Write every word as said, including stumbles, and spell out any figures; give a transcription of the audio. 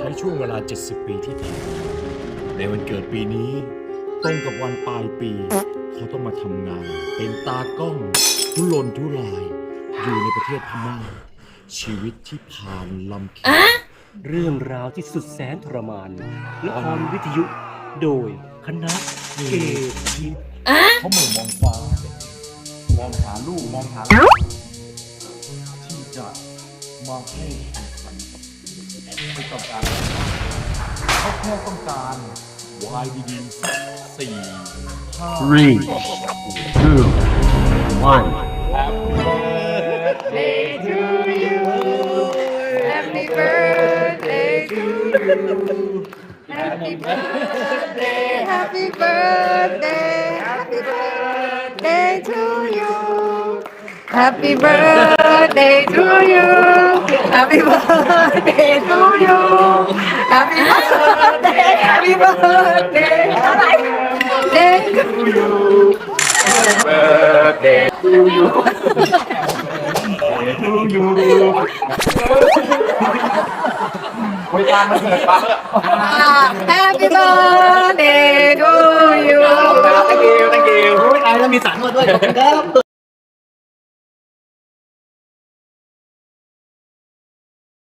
ช้ช่วงเวลาเจ็ดสิบปีที่ผ่านมาในวันเกิดปีนี้ตรงกับวันปลายปีเขาต้องมาทำงานเป็นตากล้องทุรนทุรายอยู่ในประเทศพม่าชีวิตที่ผ่านลำเค็ญเรื่องราวที่สุดแสนทรมานละครวิทยุโดยคณะเกทิพย์เขาเหมือนมองฟ้ามองหาลูกมองหาที่จะมาให้ไม่ต้องการเขาแค่ต้องการวายดีๆสักสี่ห้า Three, two, one. Birthday to you. Happy birthday to you. Happy birthday, happy birthday, happy birthday to you. Happy birthday to you. Happy birthday to you. Happy birthday, happy birthday, happy birthday to you. Birthday to you. To you. บริการมันเกิดปั๊บ Happy birthday to you. thank you thank you ไอ้แล้วมีสารมาด้วยขอบคุณครั